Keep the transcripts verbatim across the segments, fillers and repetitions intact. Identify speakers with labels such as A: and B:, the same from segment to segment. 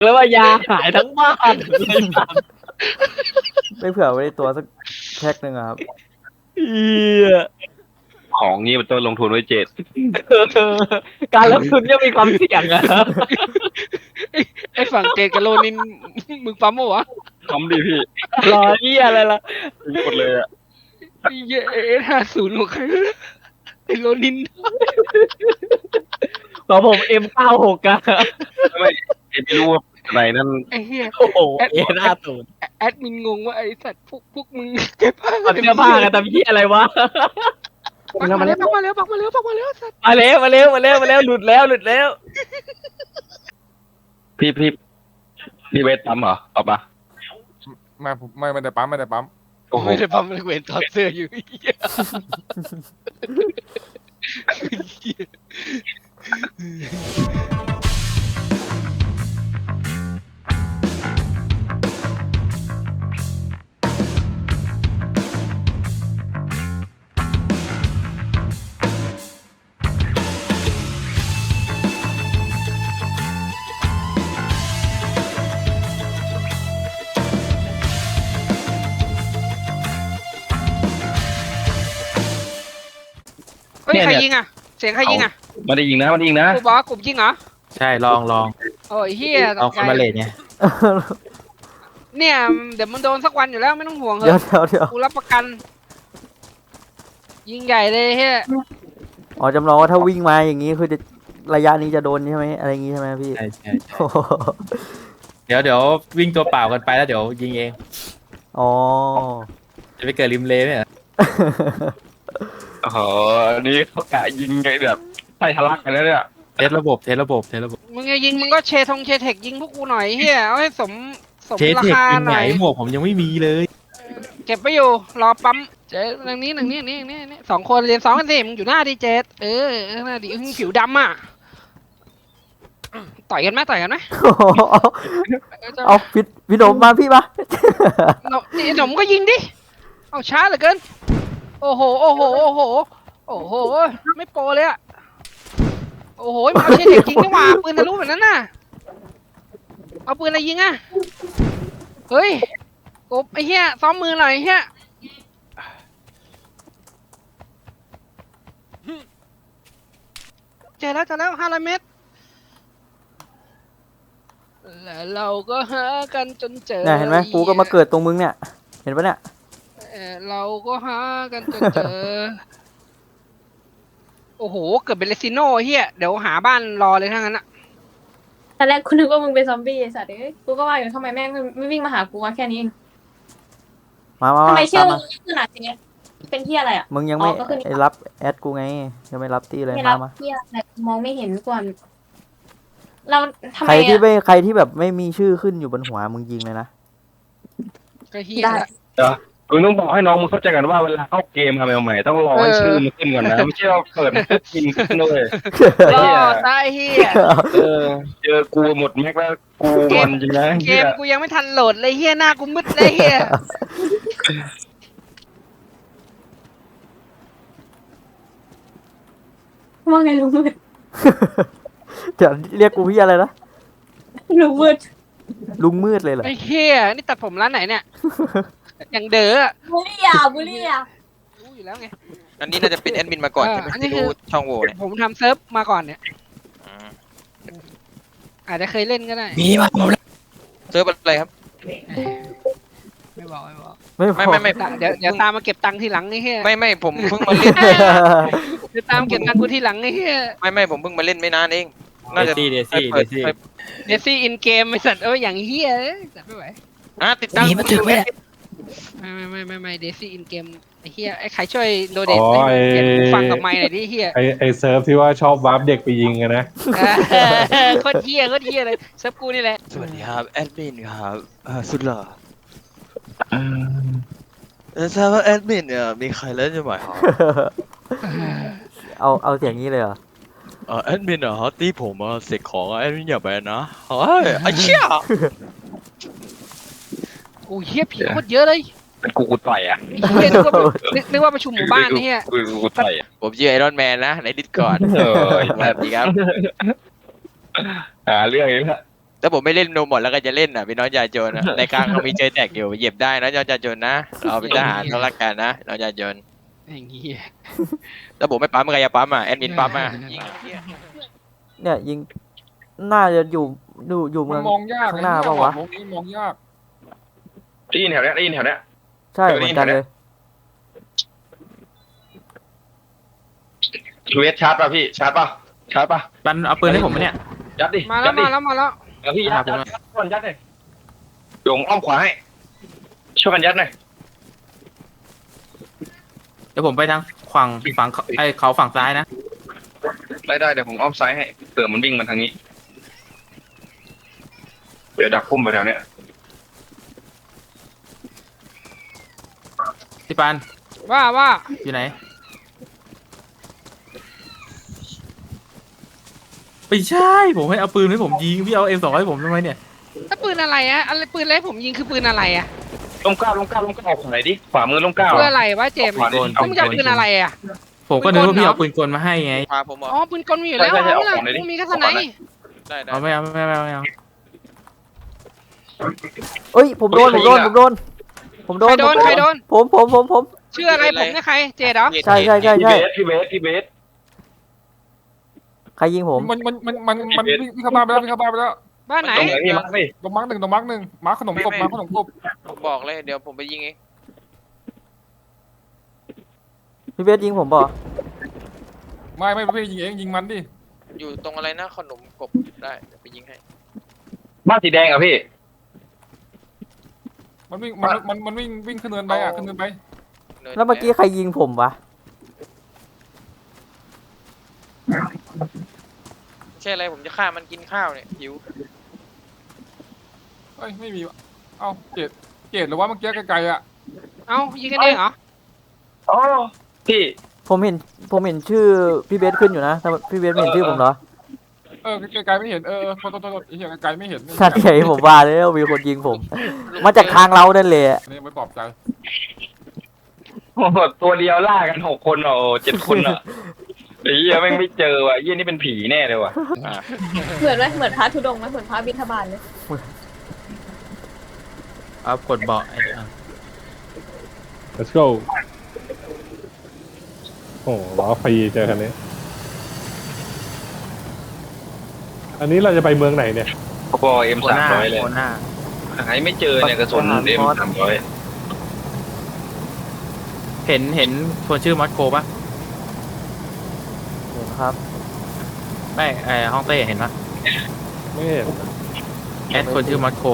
A: แล้วว่ายาหายทั้งบ้านเลยครับ
B: ไม่เผื่อไว้ในตัวสักแพ็คหนึ่งอะครับ
A: เหี้ย
C: ของนี้มันต้องลงทุนไว้เจ็ด
A: การลงทุนย่อมมีความเสี่ยงอะ
D: ไอ้ฝั่งเจดกับโลนินมึงปั๊มปะวะ
C: ทำดิพี่
A: รอเหี้ยอะไรล่ะ
C: หมดเลยอ่ะ
D: ไอ้เหี้ยเอสห้าศูนย์ของใครไอ้โลนิน
A: ของผม เอ็ม เก้าหก อะ
C: ไม่ไม่รู้ว่าอะไรนั่น
D: ไอ้เหี้ย
A: โอ้โหเอ็นห้าศูนย์
D: แอดมินงงว่าไอ้สัตว์พวกพวกมึงเก็บผ้า
A: เอาเสื้อผ้ากันทำเหี้ยอะไรวะ
D: ปักมาแล้วปักมาแล้วปักมาแล้วปักมาแล้วสัตว์
A: มาแล้วมาแล้วมาแล้วมาแล้วหลุดแล้วหลุดแล้ว
C: พี่พี่พี่เวทปั๊มเหรอเอาปะ
E: ไม่ไม่ไม่ได้ปั๊มไม่ได้ปั๊ม
C: โอ้โห
D: ไม่ได้ปั๊มเลยเวนถอดเสื้ออยู่ไอ้เหี้ย เฮ้ยใครยิงอ่ะเสียงใครยิงอ่ะ
C: ไม่ได้ยิงนะไม่ได้ยิงนะ
D: กูบอกว่ากลุ่มยิงเหรอ
F: ใช่ลองลอง
D: โอ้ยเฮีย
F: ลองคอมมาเลตไง
D: เนี่ยเดี๋ยวมันโดนสักวันอยู่แล้วไม่ต้องห่วงเห
B: เดี๋ยว
D: อะ
B: เดี๋ยวเดี๋ยว
D: กูรับประกัน ยิงใหญ่เลยเฮีย
B: อ๋อจำลองว่าถ้าวิ่งมาอย่างนี้คือจะระยะนี้จะโดนใช่ไหมอะไรอย่างงี้ใช่ไหมพี่
F: ใช่ใช่ใช่
B: โอ้โห
F: เดี๋ยวเดี๋ยววิ่งตัวเปล่ากันไปแล้วเดี๋ยวยิงเอง
B: อ๋อ
F: จะไปเกิดริมเลไหมเหรอ
C: โอ้โหอันนี้เขากะยิงไงแบบใส่ทะลักกันแล้วเนี่ย
F: เทสระบบเทสระบบเทสระบบ
D: มึงจะยิงมึงก็เชทงเชเทคยิงพวกกูหน่อยเฮียเอาให้สมสม
F: เทส
D: รา
F: เทค
D: คา
F: ยิง
D: ห
F: ไหน
D: น่อย
F: หมวกผมยังไม่มีเลย
D: เก็บไปอยู่รอปั๊มเจ๊หนึ่งนี้หนึ่งนี้นี่นี่นี่สองคนเรียนสองกันสิมึงอยู่หน้าดีเจเออหน้าดีมึงผิวดำอ่ะต่อยกันไหมต่อยกันไหม
B: โอ้โหเอาพี่พี่หนมมาพี่มา
D: หนมนี่หนมก็ยิงดิเอาช้าเหลือเกินโอ้โหโอ้โหโอ้โหโอ้โหไม่โปรเลยอ่ะโอ้โหมันเอาเชเทคยิงนี่หว่าปืนทะลุแบบนั้นน่ะเอาปืนอะไรยิงอ่ะเฮ้ยกบไอ้เหี้ยซ้อมมือหน่อยไอ้เหี้ยเจอแล้วเจอแล้วห้าร้อยเมตรแล้วเราก็หากันจนเจอ
B: เนี่ยเห็นไหมกูก็มาเกิดตรงมึงเนี่ย เห็นปะเนี่ย
D: เออเราก็หากันจนเจอ โอ้โหเกิดเป็นเลซิโน่เฮียเดี๋ยวหาบ้านรอเลยทั้งนั้นอะ
G: ตอนแรกกูนึกว่ามึงเป็นซอมบี้ไอ้สัตว์เอ้ยกูก็ว่าอยู่ทำไมแม่งไม่วิ่งมาหากูวะแค่นี้เอง
B: มามา
G: ทำ
B: มา
G: ไมชื่อ
B: ตาม
G: มึ
B: มาง
G: ขนาดนี้เป็นที่อะไรอ่ะ
B: มึงยังไม่
G: อ๋อก็คือ
B: ไอ้รับแอดกูไงยังไม่รับตีเลย
G: ไม่
B: มา
G: รับ
B: มา
G: ที่อะไรมองไม่เห็นก่อนเราทำ
B: ใค
G: ไม
B: รที่
G: อ่ะ
B: ไม่ใครที่แบบไม่มีชื่อขึ้นอยู่บนหัวมึงยิงเลยนะ
D: ก็เฮีย
G: ได้
D: ละ
C: มึงต้องบอกให้น้องมึงเข้าใจกันว่าเวลาเข้าเกมทำใหม่ๆต้องรอให้ชื่อมันขึ้นก่อนนะไม่ใช่ว่าเปิดปุ๊บยิงขึ้นเลย
D: รอตายเฮีย
C: เออเจอกูหมดแม็กแล้วกูมันจริงนะ
D: เกมกูยังไม่ทันโหลดเลยเฮียหน้ากูมืดเลยเฮีย
G: ว่าไงลุงมืด
B: เดี๋ยวเรียกกูพี่อะไรนะ
G: ลุงมืด
B: ลุงมืดเลยเหรอ
D: ไอ้เฮียนี่ตัดผมร้านไหนเนี่ยอย่างเด๋ออะ
G: บุลี่อ่ะบุลี่อ่ะ
D: รู้อยู่แล้วไง
H: อันนี้น่าจะเป็นแอดมินมาก่อน
D: เออ
H: ใช่ไหม
D: อันนี้
H: ที่
D: คือ
H: รู้ช่องโหว่เนี่ย
D: ผมทำเซิร์ฟมาก่อนเนี่ย
H: อืม
D: อาจจะเคยเล่นก็ได้
F: มีมาผมแล้ว
H: เซิร์ฟอะไรครับ
D: ไม่บอกไม่บอก
B: ไม่
H: ไม่ไม่ไม่
D: เดี๋ยวเดี๋ยวตามมาเก็บตังค์ทีหลังไอ้เฮีย
H: ไม่ไม่ผมเพิ่งมาเล่น
D: เดี๋ยวตามเก็บตังค์กูทีหลังไอ้เฮีย
H: ไม่ไม่ผมเพิ่งมาเล่นไม่นานเอง น่า
F: เด
H: จะ
F: ซี่เดซี่
H: ไป
F: เด
H: เปิด
F: ซี่
H: ไป
D: เดซี่อินเกมไอ้สัตว์เอ้ยอย่างเฮียเอ้ยสัตว์ไม่ไหว
H: อ่ะติดตั้ง
F: มีมาถึงไหม
D: ไม่ไม่ไม่ไม่ไม่เดซี่อินเกมไอ้เฮียไอ้ใครช่วยโดเดท
I: อ๋อ
D: ให้
I: ไอ้
D: เปลี่ยนหูฟังกับไมค์หน่อยดิเฮีย
I: ไอไอเซิร์ฟที่ว่าชอบวาร์ปเด็กไปยิงกันนะ
D: เออโคตรเฮียโคตรเฮียเลยเซิร์ฟกูนี่แหละ
H: สวัสดีครับแอดมินครับเอ่อสุดหล่อเออทราบว่าแอดมินเนี่ยมีใครเล่นจะไหมครับ
B: เอาเอาเสียงนี้เลยเหรอ
H: เออแอดมินเหรอตีผมอ่ะเสกของแอดมินอย่าไปนะเฮ้ยไอ้เชี่ย
D: โอ้เฮียผีโคตรเยอะเลย
C: เป็นกูกูต่อยอ่ะ
D: ไอ้เฮียนึกว่านึกนึกว่าประชุมหมู่บ้านนี่เฮีย
C: กูกูกูต่อยอ่ะ
H: ผมชื่อไอรอนแมนนะในดิสก่อน
C: เออ
H: แบบนี้ครับ
C: หาเรื่องเองละ
H: ถ้าผมไม่เล่นโนหมดแล้วก็จะเล่นอ่ะพี่น้องยาโจนอ่ะในกลางเรามีเจอแตกอยู่เหยียบได้นะน้องยาโจนนะเราเป็นทหารเรารักกันนะน้องยาโจน
D: อย่างงี้
H: ถ้าผมไม่ปั๊มใครจะปั๊มอ่ะแอดมินปั๊มอ่ะยิง
B: เนี่ยยิงน่าจะอยู่อยู่อยู่
E: มั
B: เมื
E: น
B: อง
E: มองยาก
B: ข้างหน้าเปล่าวะ
E: มองนี้มองยาก
C: ได้ยินแถวเนี้ยได้ยินแถวเนี้ย
B: ใช่เหมือนกันเลย
C: เวทชาร์จป่ะพี่ชาร์จป่ะชาร์จป่ะ
F: ปันเอาปืนให้ผมไหมเนี่ย
C: ยัดดิ
D: มาแล้ว
C: ยัดดิ
D: มาแล้วมาแล้ว
C: เออพี่ยัดยัดยัดก่อนยัดเลยโยงอ้อมขวาให้ช่วยกันยัดหน่อย
F: เดี๋ยวผมไปทางฝั่งฝั่งไอเขาฝั่งซ้ายนะ
C: ได้ได้เดี๋ยวผมอ้อมซ้ายให้เผื่อมันวิ่งมาทางนี้เดี๋ยวดักพุ่มไปแถวเนี้ย
F: พี่ปาน
D: ว่าว่า
F: อยู่ไหนไม่ใช่ผมให้เอาปืนให้ผมยิงพี่เอาเอ็มสองให้ผมทำไมเนี่ย
D: ถ้าปืนอะไรอะอะไรปืนอะไรผมยิงคือปืนอะไรอะ
C: ลมเก้าลมเก้าลมเก้าออกขวาไหนดิขวามือลมเก้า
D: ปืนอะไรวะเจมส์
C: ขวาดิ
D: ต้องจะปืนอะไรอะ
F: ผมก็นึกว่าพี่เอาปืนกลมาให้ไง
H: พาผมเหร
D: อ๋อ
H: อ
D: ปืนกลมีอยู่แล้วเอาไม่ล่ะกูมีแค่สไนป์
H: ได้ได้
F: เอาไม่เอาไม่เอาไม่เอา
B: เอ้ยผมโดนผมโดนผมโดนผมโด
D: ใคร
B: น
D: โดนใครโดน
B: ผมผมผมผม
D: ชื่ออะไรผมเนี่ยใครเจดเหรอ
B: ใช่ใช่ใช่
C: พี่
B: ใช่
C: เบสพี่เบสพี่เบส
B: ใครยิงผม
E: มันมันมันมันมันวิ่งวิ่งเข้าบ้านไปแล้ววิ่งเข้าบ้านไปแล้ว
D: บ้านไหน
C: ตรงไหนพี่มาร์คพี่
E: ตรงมาร์กหนึ่งตรงมาร์กหนึ่งมาร์กขนมกบมาร์กขนมกบ
H: ผมบอกเลยเดี๋ยวผมไปยิงเอง
B: พี่เบสยิงผมเปล่ะ
E: ไม่ไม่ไม่ยิงเองยิงมันดิ
H: อยู่ตรงอะไรนะขนมกบได้เดี๋ยวไปยิงให้
C: บ้านสีแดงอ่ะพี่
E: มันวิ่งมันมันมันวิ่งวิ่งขึ้นเนินไปอ่ะขึ้นเนินไป
B: แล้วเมื่อกี้ใครยิงผมวะ
H: ไม่ใช่อะไรผมจะฆ่ามันกินข้าวเนี่ยหิว
E: เอ้ยไม่มีวะเอ้าเกตเกตหรือว่าเมื่อกี้ไกลๆอ่ะ
D: เอ้ายิงกันเองเหรอ
C: อ๋อพี่
B: ผมเห็นผมเห็นชื่อพี่เบสขึ้นอยู่นะแต่พี่เบสไม่เห็นชื่อผมเหรอ
E: เออไกลๆไม่เห็นเออเออโทษโทษโทษไอ้เหี้ยไกลๆไม่เห็น
B: ชาติใหญ่ผมว่าเลยว่ามีคนยิงผม มาจากทางเรานั่นแหละ
E: อันนี้ไม่ปลอบใจ
C: โอ้โหตัวเดียวล่ากันหกคนเหรอเจ็ดคนอ่ะไอ้เหี้ยแม่งไม่เจอว่ะไอ้เหี้ยนี่เป็นผีแน่เลยว่ะ
G: เหมือนไหมเหมือนพระธุดงค์ไหมเหมือนพระบิณฑบาตเลย
F: เอากดเบาะไอ้อ่ะ
I: let's go โอ้ล้อฟรีเจอคันนี้ อันนี้เราจะไปเมืองไหนเนี่ย
C: พอเอ็ม
F: โค
C: สาม
F: น่า
C: ร้อยเลย
F: โคน่า
C: หายไม่เจอเนี่ยกระสุนเอ็มสามร้อย
F: เห็นเห็นคนชื่อมัดโคปะ
B: เห็นครับ
F: ไม่ไอห้องเต้เห็นปะ
I: ไม่เห็น
F: แอดคนชื่อมัดโค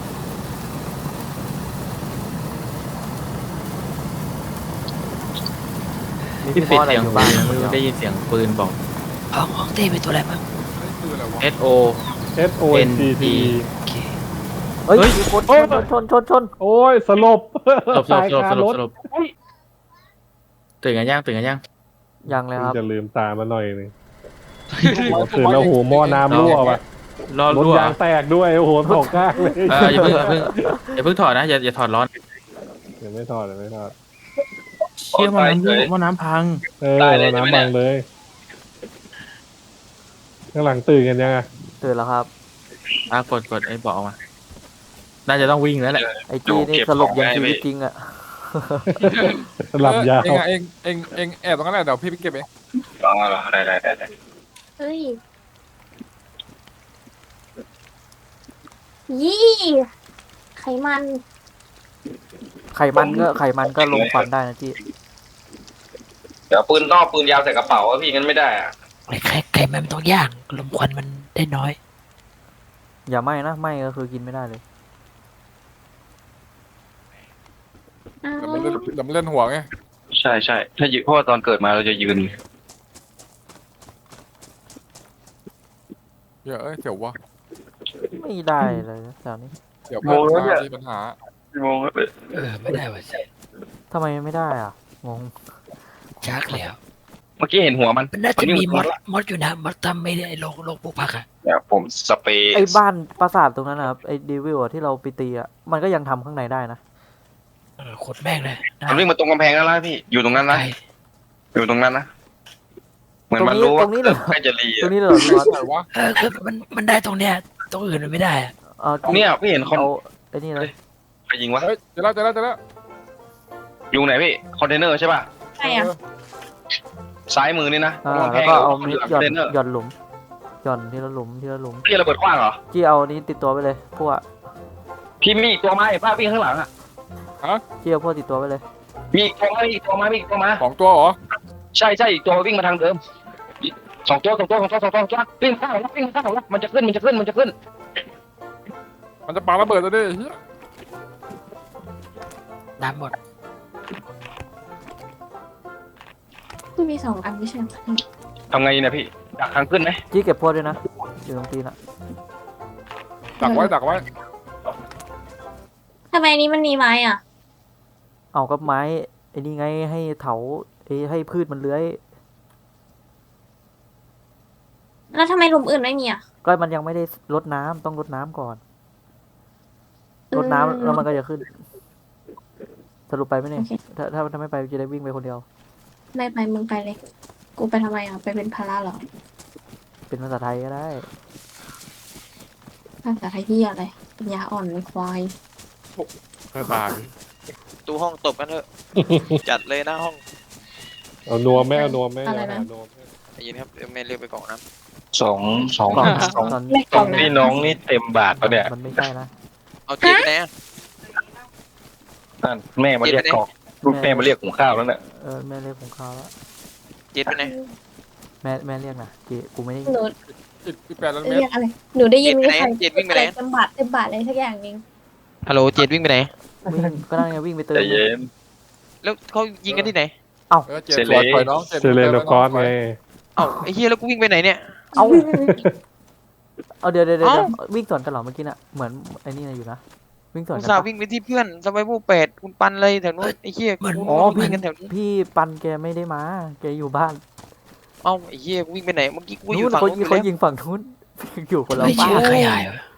B: มี
F: ที่
B: พี่
F: ปิ
B: พ่
F: ด
B: ออะไร
F: เสียง
B: อยู่
F: ปื
B: บ้าน
F: นไม่รู้ได้ยินเสียงปืนบอก
J: ห้องห้องเต้เป็นตัวอะไรบ้าง
E: นี่คืออะไรวะ
F: S O
I: S O N T T
B: เฮ้ย
F: เฮ้ย
B: มีคนชนชนชนชน
I: โอ้ยสลบ
F: สลบสล
I: ตา
F: บ
I: ย
F: สลบ
I: คา
F: สล
I: ร
F: บ
I: ถ
F: สลบตื่นกันยังตื่นกันยัง
B: ยังเลยครับ
I: จะลืมตามาหน่อยนึงตื่นแล้วโหหม้อน้ำรั่วว่ะ
F: รอ
I: รถ
F: รั่วย
I: างแตกด้วยโอ้โหตกข้างเลย
F: เอออย่าเพิ่งอย่าเพิ่งอย่าเพิ่งถอดนะอย่าอย่าถอดร้อน
I: เดี๋ยวไม่ทอดเดี๋ยวไม่ทอด
F: เชี่ยมันน้ำรั่วมันน้ำพัง
I: เออน้ำบังเลยข้างหลังตื่นกันยังอ่ะ
B: ตื่นแล้วครับ
F: อ่ะกดกดไอ้เบาะออกมา น่าจะต้องวิ่งแล้วแหละ
B: ไอจีนี่สลบอย่างชีวิตจริงอะ
I: หลับยาว
E: เองอะเองเองเองแอบตรงนั้นแหละเดี๋ยวพี่ไปเก็บเอง
C: อ๋อเหรอได้ได้ได้ได้
G: เฮ้ยยี่ไขมัน
B: ไขมันก็ไขมันก็ลงฟันได้นะจี
C: เดี๋ยวปืนนอกปืนยาวใส่กระเป๋าอะพี่งั้นไม่ได้อะ
J: ไอ้ไข่ไข่มันต้องย่างลมควันมันได้น้อย
B: อย่าไหม้นะไหม้ก็คือกินไม่ได้เลย
G: อ้า
E: เดี๋ยว วมันเล่นเดี๋ยวมันเล่นหัวไง
C: ใช่ใช่ถ้ายืนเพราะว่าตอนเกิดมาเราจะยืน
E: เดี๋ยวเอ้ยเดี๋ยววะ
B: ไม่ได้เลยนะแถวนี้
E: เดี๋ยวเพื่อนมามีปัญหา
C: งงครับ
J: เออไม่ได้ว่ะ
B: ทำไมไม่ได้อ่ะงง
J: ชักแล้ว
C: เมื่อกี้เห็นหัวมัน
J: มันน่าจะมีม
C: หั
J: อ
C: ว
J: ดมอดอยู่นะมอดทำไม่ได้โลกโลกปลูกผักอ่ะ
C: เดี๋ยวผมสเปรย์
B: ไอ้บ้านปราสาทตรงนั้นนะครับไอ้เดวิลอะที่เราไปตีอะมันก็ยังทำข้างในได้นะ
J: เออขดแม่งเลยนะ
C: มันวิ่งมาตรงกำแพงแล้วนะพี่อยู่ตรงนั้นนะ
J: ไก่
C: อยู่ตรงนั้นนะเหมือน
B: ตรง
C: มัน
B: นี้
C: รู้
B: ต
C: ว่า
B: รงนี้เหรอ
C: ใกล้จะรี
B: ตร
C: อะ
B: งนี้เลยเหรอพี่วัด
E: ไหนวะ
J: เออคือมันมันได้ตรงเนี้ยตรงอื่นมันไม่ได้อะ
B: เอา
C: เนี่ยพี่เห็นคน
B: เอาไอ้นี่เลย
C: ใครยิงวะ
E: เฮ้ยเจอแล้วเจอแล้วเจอแล้ว
C: อยู่ไหนพี่คอนเทนเนอร์ใช่ป่ะ
G: ใช่อ่ะ
C: ซ้ายมือนี่นะ
B: อ่า
C: ระวัง
B: แล้ว
C: แพง
B: ก็
C: หรือ
B: เอา
C: ว่า
B: มิด
C: หลัง
B: หย่อน
C: คอนเทนเนอร์
B: หย่อนหลุมหย่อนทีละหลุมทีละหลุม
C: พี่ระเบิดขว้างเหรอ
B: จี้เอานี้ติดตัวไปเลยพวก
C: พี่มีอีกตัวมาไอ้ป้าวิ่งข้างหลังอ่ะ
B: จี้เอาพวกติดตัวไปเลย
C: มีอีกตัวมามีอีกตัวมามีอีกตัวมา
E: สองตัวเหรอ
C: ใช่ใช่อีกตัววิ่งมาทางเดิมสองตัวสองตัวสองตัวสองตัวสองตัววิ่งข้างหลังวิ่งข้างหลังมันจะขึ้นมันจะขึ้นมันจะขึ้น
E: มันจะปาระเบิดแล้วดิเหี้ย
J: น้ำหมด
G: กูมีสองอันไม่ใช่เหรอ
C: ทำไงเนี่ยพี่ดักทางขึ้นไหม
B: จี้เก็บพวกด้วยนะอยู่ตรงตีนอ่ะ
E: ดักไว้ดักไว้
G: ทำไมอันนี้มันมีไม้อ่ะ
B: เอากับไม้ไอ้นี่ไงให้เถาไอ้ให้พืชมันเลื้อย
G: แล้วทำไมหลุมอื่นไม่มีอ่ะ
B: ก็มันยังไม่ได้รดน้ำต้องรดน้ำก่อนรดน้ำแล้วมันก็จะขึ้น สรุปไปไหมเนี่ย
G: โอเค
B: ถ้าถ้าถ้าไม่ไปจะได้วิ่งไปคนเดียว
G: ไม่ไปมึงไปเลย กูไปทำไมอ่ะ ไปเป็นภาระเหรอ
B: เป็นภาษาไทยก็ได้
G: ภาษาไทยที่อะไรปัญญาอ่อนในควาย
E: เออตาย
H: ตู้ห้องตบกันเถอะ จัดเลยหน้าห้อง
I: เอานัวแม่เอานัวแม่
G: อะไรนะ
I: นัวแม่
H: ได้ยินครับแม่เรียกไปกล่องน้
C: สองสอง
B: ตอน
C: สอง
B: ตอน
G: ไม่กล่องนะ
C: พี่น้องนี่เต็มบาทปะเนี่ย
B: มันไม่ใช่นะ
H: ำเอาเจ็ดไปไหนอะ
C: นั่นแม่มาเรียกกอกลูกแม่มาเรียกหุงข้าวแล้วเนี่ย
B: เออแม่เรียกของเขาแล้ว
H: เจ็ดไปไหน
B: แม่แม่เรียกนะเจกูไม่ได้
G: หนู
E: อีกอีกแปดล้านเมต
G: เรี
E: ร
G: ยกอะไร หนูได้ยิน
H: เจ็ดไปไหน
G: ใคร
H: เจ็ดวิ่งไปไหน
G: เต็มบาทเต็มบาทอะไรสักอย่างหนึง
H: ฮัลโหลเจ็ดวิ่งไปไหน
B: วิ่งก็นั่งไงวิ่งไปเติม
C: ใจเย็น
H: แล้วเขายิงกันที่ไหน
E: เออเจ็ด
C: เสร็จ
E: ปล่อย
C: เลย
E: ปล่อยน้องเจ็ด
I: เซเลนกอสไง
H: เอ้าไอ้เฮียแล้วกูวิ่งไปไหนเนี่ย
B: เอาเอาเดี๋ยวเดี๋ยวเดี๋ยว
H: เอ้า
B: วิ่งสวนกันเหรอเมื่อกี้น่ะเหมือนไอ้นี่นะอยู่นะวิ่งสวน
H: อุ
B: กั
H: ต
B: น
H: ส่าห์
B: ปะ
H: วิ่งไปที่เพื่อนสบายผู้เป็ดคุณปันเลยแถวนู้นไอ้เฮียกู
B: อ๋อ
H: วิ่
B: พี่
H: งกันแถวนี้
B: พี่ปันแกไม่ได้มาแกอยู่บ้าน
H: เอ้าไอ้เฮียกูวิ่งไปไหนเมื่อกี้กูอ
B: นู้
H: ยู่
B: น
H: ฝั่ง
B: เขา
H: นู้นอยู่
B: เขา
H: แล้ว
B: ยิงฝั่งนู้น อยู่คนละ
J: ไม่
B: บ้า
J: เชื่อน ใครหายวะ